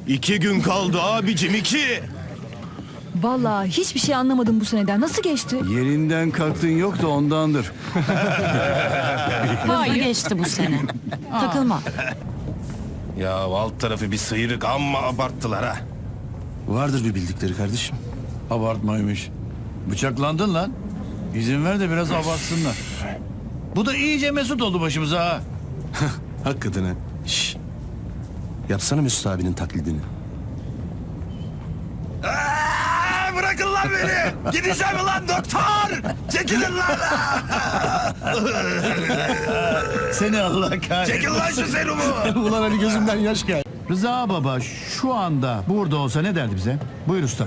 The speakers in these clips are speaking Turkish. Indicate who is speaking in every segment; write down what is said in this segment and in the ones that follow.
Speaker 1: 2 gün kaldı abicim, 2.
Speaker 2: Vallahi hiçbir şey anlamadım bu seneden. Nasıl geçti?
Speaker 3: Yerinden kalktın yok da ondandır.
Speaker 4: Hızlı geçti bu sene. Takılma.
Speaker 1: Ya alt tarafı bir sıyrık, amma abarttılar ha.
Speaker 3: Vardır bir bildikleri kardeşim. Abartmaymış. Bıçaklandın lan. İzin ver de biraz abartsınlar. Bu da iyice mesut oldu başımıza ha.
Speaker 1: Hakikaten ha. Şşş. Yapsana Mesut abinin taklidini. Bırakın lan beni! Gideceğim lan doktor! Çekilin lan!
Speaker 3: Seni Allah kahretsin.
Speaker 1: Çekil lan şu serumu!
Speaker 3: Ulan hani gözümden yaş geldi. Rıza baba şu anda burada olsa ne derdi bize? Buyur usta.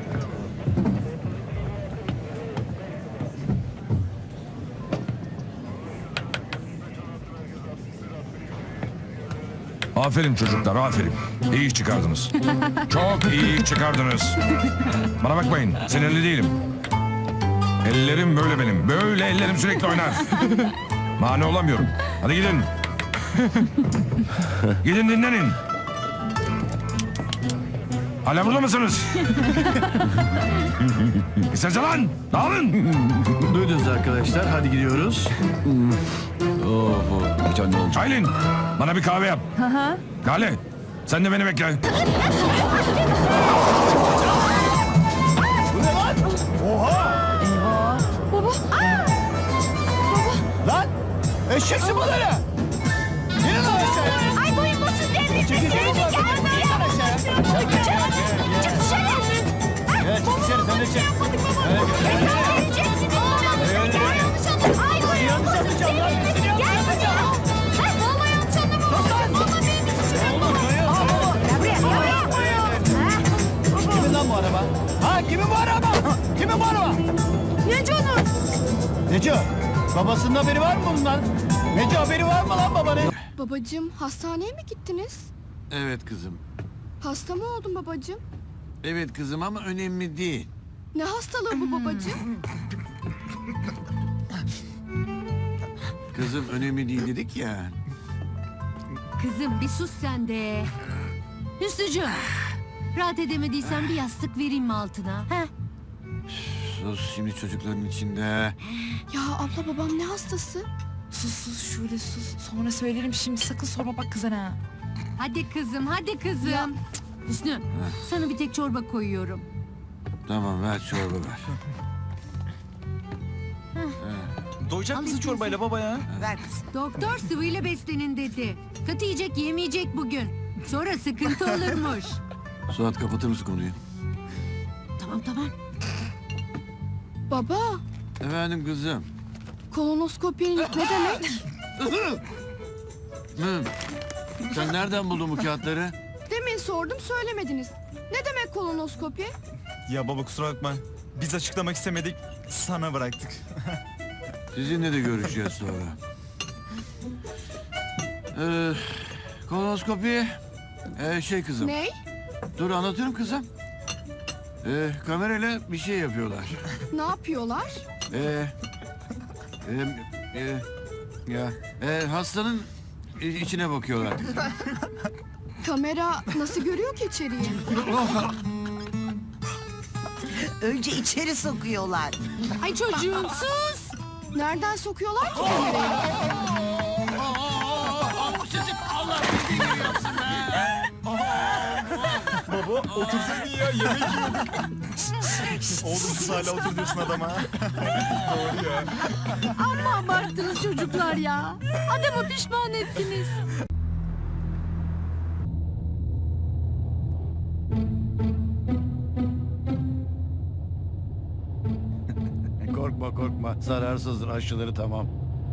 Speaker 5: Aferin çocuklar, aferin. İyi iş çıkardınız. Çok iyi iş çıkardınız. Bana bakmayın, sinirli değilim. Ellerim böyle benim. Böyle ellerim sürekli oynar. Mani olamıyorum. Hadi gidin. Gidin dinlenin. Hala burada mısınız? İsterse lan, dağılın.
Speaker 3: Duydunuz arkadaşlar, hadi gidiyoruz. Bir tane olacak.
Speaker 5: Aylin, bana bir kahve yap. Lale, sen de beni bekle.
Speaker 3: Lan! Eşeksin bunları! Yine lan aşağıya!
Speaker 6: Ay boyun basın devrilmesin.
Speaker 3: Çekilsene
Speaker 6: Gel
Speaker 3: bakalım.
Speaker 6: buraya.
Speaker 3: Çık aşağıya.
Speaker 6: Çık dışarı.
Speaker 3: Evet, çık dışarı, sen de çık.
Speaker 6: Hesap vereceksin. Gel yanlış anladın. Ay boyun basın devrilmesin. Gel buraya. Ha, vallahi yanlış anlamamışsın. Vallahi benim bir suçum yok. Gel buraya.
Speaker 3: Kimin lan bu araba? Ha, kimin bu araba? Kimin bu araba?
Speaker 6: Neco'nun.
Speaker 3: Neco, babasının haberi var mı bundan? Neco, haberi var mı lan babanın?
Speaker 6: Babacığım hastaneye mi gittiniz?
Speaker 7: Evet kızım.
Speaker 6: Hasta mı oldun babacığım?
Speaker 7: Evet kızım ama önemli değil.
Speaker 6: Ne hastalığı bu babacığım?
Speaker 7: Kızım önemli değil dedik ya.
Speaker 8: Kızım bir sus sen de. Hüsnücüğüm. Rahat edemediysen bir yastık vereyim mi altına? He?
Speaker 7: Sus şimdi çocukların içinde.
Speaker 6: Ya abla babam ne hastası?
Speaker 2: Sus şöyle sus. Sonra söylerim şimdi sakın sorma bak kızana. Ha.
Speaker 8: Hadi kızım, hadi kızım. Cık, Hüsnü, sana bir tek çorba koyuyorum.
Speaker 7: Tamam ver çorba ver.
Speaker 9: Doyacak mısın
Speaker 8: Alayım
Speaker 9: çorbayla baba ya?
Speaker 8: Doktor sıvıyla beslenin dedi. Katı yiyecek yemeyecek bugün. Sonra sıkıntı olurmuş.
Speaker 7: Suat kapatır mısın konuyu?
Speaker 8: Tamam.
Speaker 6: Baba
Speaker 7: Efendim kızım.
Speaker 6: kolonoskopi ne demek?
Speaker 7: Sen nereden buldun bu kağıtları?
Speaker 6: Demin sordum söylemediniz. Ne demek kolonoskopi?
Speaker 9: Ya baba kusura bakma. Biz açıklamak istemedik. Sana bıraktık.
Speaker 7: Sizinle de görüşeceğiz sonra. Kolonoskopi. Kızım.
Speaker 6: Ney?
Speaker 7: Dur anlatıyorum kızım. Kamerayla bir şey yapıyorlar.
Speaker 6: Ne yapıyorlar?
Speaker 7: Hastanın içine bakıyorlar.
Speaker 6: Kamera nasıl görüyor ki içeriği?
Speaker 4: Önce içeri sokuyorlar.
Speaker 8: Ay çocuğum sus.
Speaker 6: Nereden sokuyorlar ki kamerayı?
Speaker 9: Baba otursaydın ya yemek yiyorduk. Oğlum siz hala otur diyorsun adama. Doğru ya.
Speaker 8: Amma abarttınız çocuklar ya. Adamı pişman ettiniz.
Speaker 3: Korkma. Zararsızdır, aşıları tamam.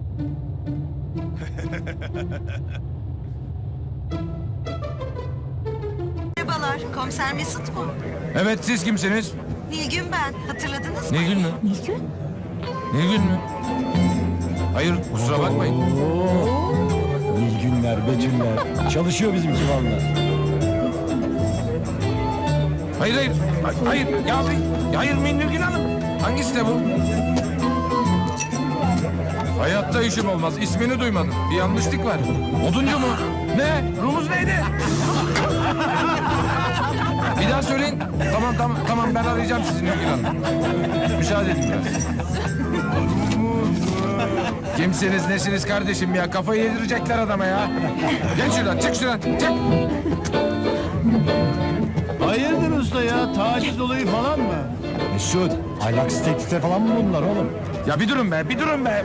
Speaker 4: Merhabalar, komiser Mesut mu?
Speaker 5: Evet, siz kimsiniz?
Speaker 4: Nilgün ben, hatırladınız mı?
Speaker 5: Nilgün mü? Nilgün mü? Hayır, kusura bakmayın.
Speaker 3: Nilgünler, Betüller. Çalışıyor bizimki vallahi.
Speaker 5: Hayır. Hayır Nilgün Hanım. Hangisi de bu? Hayatta işim olmaz. İsmini duymadım. Bir yanlışlık var. Oduncu mu? Ne? Rumuz neydi? tamam ben arayacağım sizi Nurgül Hanım. Müsaade edin biraz. Kimsiniz nesiniz kardeşim ya? Kafayı yedirecekler adama ya. Geç şuradan, çık şuradan, çık.
Speaker 3: Hayırdır usta ya? Taciz olayı falan mı?
Speaker 9: Mesut, aylaks teklifte falan mı bunlar oğlum?
Speaker 5: Ya bir durun be, bir durun be.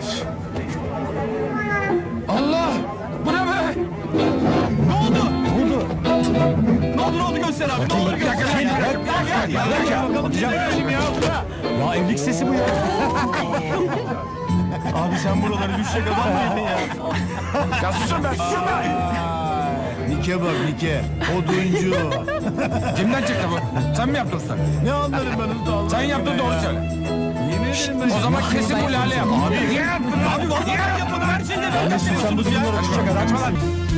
Speaker 5: Allah! Bu ne be?
Speaker 9: Ne oldu göster abi, ne oldu
Speaker 5: Bir dakika,
Speaker 9: Ya evlilik sesi bu ya. Abi sen buraları düşecek adam mıydın ya?
Speaker 5: Ya susun be, susun be.
Speaker 3: Nike bak Nike. Oduncu.
Speaker 5: Kimden çıktı bu? Sen mi yaptın usta?
Speaker 3: Ne anlarım ben usta Allah
Speaker 5: Sen yaptın
Speaker 3: aşkına
Speaker 5: doğru
Speaker 3: ya.
Speaker 5: söyle.
Speaker 3: Yemin ederim ben.
Speaker 5: O zaman kesin bu lale yap. Abi niye yaptın?
Speaker 9: Abi vallahi yapmadım her şeyde ben yapıyorsunuz ya.
Speaker 5: Açma lan, açma lan.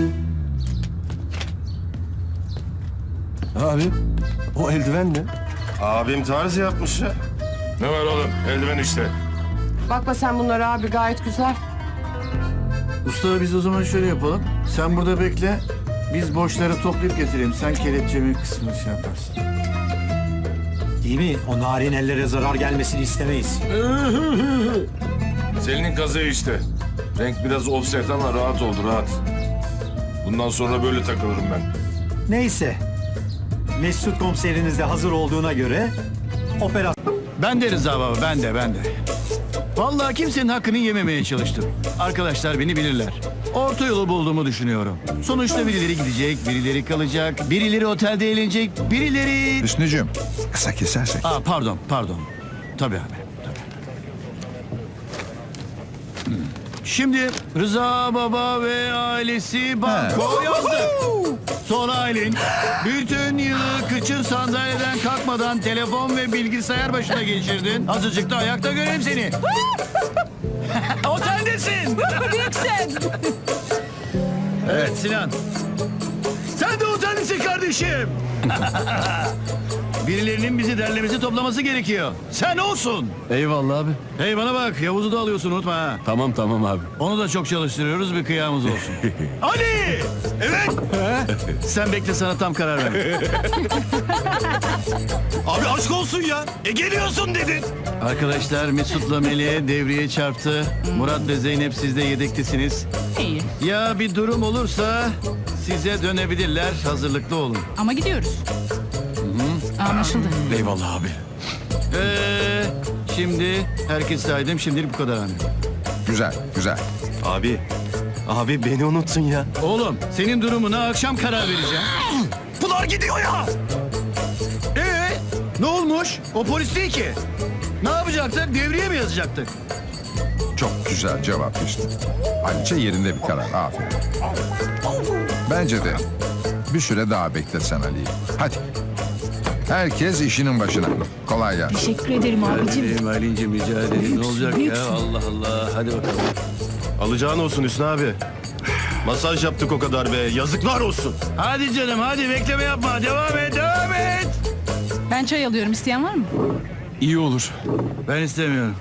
Speaker 9: Abi o eldiven ne?
Speaker 10: Abim tarz yapmış ya.
Speaker 5: Ne var oğlum? Eldiven işte.
Speaker 2: Bakma sen bunlara abi gayet güzel.
Speaker 3: Usta biz o zaman şöyle yapalım. Sen burada bekle. Biz boşları toplayıp getirelim. Sen kelepçemin kısmını şey yaparsın.
Speaker 9: Değil mi? O narin ellere zarar gelmesini istemeyiz.
Speaker 5: Selin'in kazığı işte. Renk biraz offset ama rahat oldu, rahat. Bundan sonra böyle takılırım ben.
Speaker 9: Neyse. Mesut komiseriniz de hazır olduğuna göre operasyon...
Speaker 3: Ben de Rıza baba, ben de. Vallahi kimsenin hakkını yememeye çalıştım. Arkadaşlar beni bilirler. Orta yolu bulduğumu düşünüyorum. Sonuçta birileri gidecek, birileri kalacak, birileri otelde eğlenecek, birileri...
Speaker 5: Hüsnücüğüm, kısa kesersek.
Speaker 3: Pardon. Tabii abi, tabii. Şimdi Rıza baba ve ailesi banko yazdı. Sonra Aylin bütün yılı kıçın sandalyeden kalkmadan telefon ve bilgisayar başına geçirdin. Azıcık da ayakta göreyim seni. Oteldesin.
Speaker 2: Büyüksün.
Speaker 3: Evet Sinan. Sen de oteldesin kardeşim. Birilerinin bizi derlemesi toplaması gerekiyor. Sen olsun.
Speaker 7: Eyvallah abi.
Speaker 3: Hey bana bak Yavuz'u da alıyorsun unutma ha.
Speaker 7: Tamam abi.
Speaker 3: Onu da çok çalıştırıyoruz bir kıyamız olsun. Ali! Evet. Sen bekle sana tam karar ver.
Speaker 1: Abi aşk olsun ya. Geliyorsun dedin.
Speaker 3: Arkadaşlar Mesut'la Melih'e devriye çarptı. Murat ve Zeynep siz de yedektesiniz.
Speaker 2: İyi.
Speaker 3: Ya bir durum olursa size dönebilirler. Hazırlıklı olun.
Speaker 2: Ama gidiyoruz. Anlaşıldı.
Speaker 7: Eyvallah abi.
Speaker 3: Şimdi herkes saydım. Şimdilik bu kadar abi.
Speaker 5: Güzel.
Speaker 10: Abi beni unuttun ya.
Speaker 3: Oğlum senin durumuna akşam karar vereceğim.
Speaker 1: Pınar gidiyor ya.
Speaker 3: Ne olmuş? O polis değil ki. Ne yapacaktık? Devriye mi yazacaktık?
Speaker 5: Çok güzel cevap işte. Ayrıca yerinde bir karar, aferin. Bence de bir süre daha beklesen Ali'yi. Hadi. Herkes işinin başına. Kolay gelsin.
Speaker 2: Teşekkür ederim abicim.
Speaker 3: Aylin'cim rica ederim. Ne olacak ya? Allah Allah. Hadi bakalım.
Speaker 10: Alacağın olsun Hüsnü abi. Masaj yaptık o kadar be. Yazıklar olsun.
Speaker 3: Hadi canım hadi bekleme yapma. Devam et.
Speaker 2: Ben çay alıyorum. İsteyen var mı?
Speaker 7: İyi olur.
Speaker 3: Ben istemiyorum.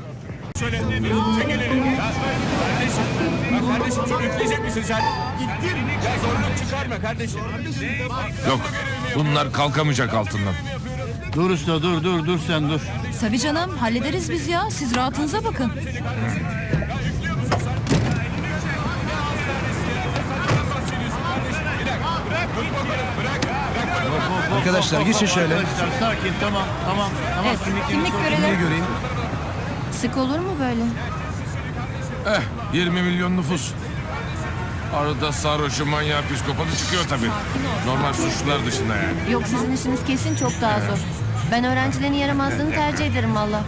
Speaker 1: Kardeşim çok üfleyecek misin sen? Gittim. Ya zorluk çıkarma kardeşim.
Speaker 5: Yok, bunlar kalkamayacak altından.
Speaker 3: Dur usta dur sen dur.
Speaker 2: Tabii canım. Hallederiz biz ya. Siz rahatınıza bakın.
Speaker 3: Arkadaşlar geçin şöyle. Arkadaşlar sakin tamam.
Speaker 8: Evet, kimlik görelim.
Speaker 3: Göreyim.
Speaker 8: Sık olur mu böyle?
Speaker 5: 20 milyon nüfus. Arada sarhoşu, manyağı, psikopatı çıkıyor tabii. Normal suçlular dışında yani.
Speaker 8: Yok sizin işiniz kesin çok daha zor. Ben öğrencilerin yaramazlığını tercih ederim valla.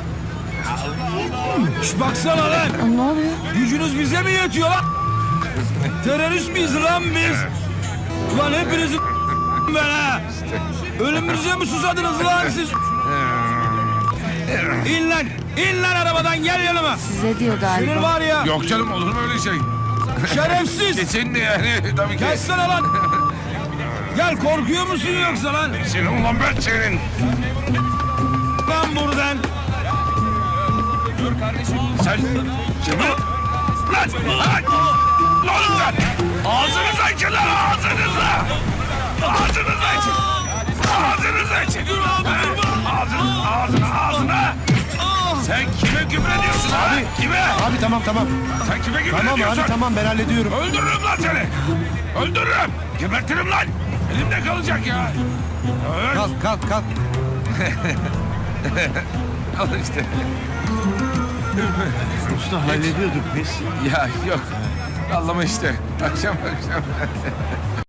Speaker 1: Baksana lan.
Speaker 8: Ne oluyor?
Speaker 1: Gücünüz bize mi yetiyor lan? Terörist miyiz lan biz? Ulan hepinizi ben ha. Ölümünüze mi susadınız lan siz? İn lan arabadan gel yanıma.
Speaker 8: Size diyor galiba.
Speaker 1: Senin var ya.
Speaker 5: Yok canım, olur mu öyle şey?
Speaker 1: Şerefsiz.
Speaker 5: Kesin de yani tabii ki.
Speaker 1: Gelsene lan. Gel korkuyor musun yoksa lan?
Speaker 5: Senin ulan ben senin.
Speaker 1: Lan buradan.
Speaker 5: Sen... Lan! Ne oldu sen? Ağzınıza için lan! Ağzınıza için! Ağzınıza için! Sen kime küfür ediyorsun abi? Kime?
Speaker 10: Abi tamam.
Speaker 5: Sen kime küfür
Speaker 10: Tamam
Speaker 5: ediyorsun?
Speaker 10: abi tamam ben hallediyorum.
Speaker 5: Öldürürüm lan seni. Öldürürüm. Gebertirim lan. Elimde kalacak ya. Evet.
Speaker 10: Kalk.
Speaker 5: Al işte.
Speaker 3: Usta hallediyorduk biz.
Speaker 5: Ya yok. Anlama işte. Akşam.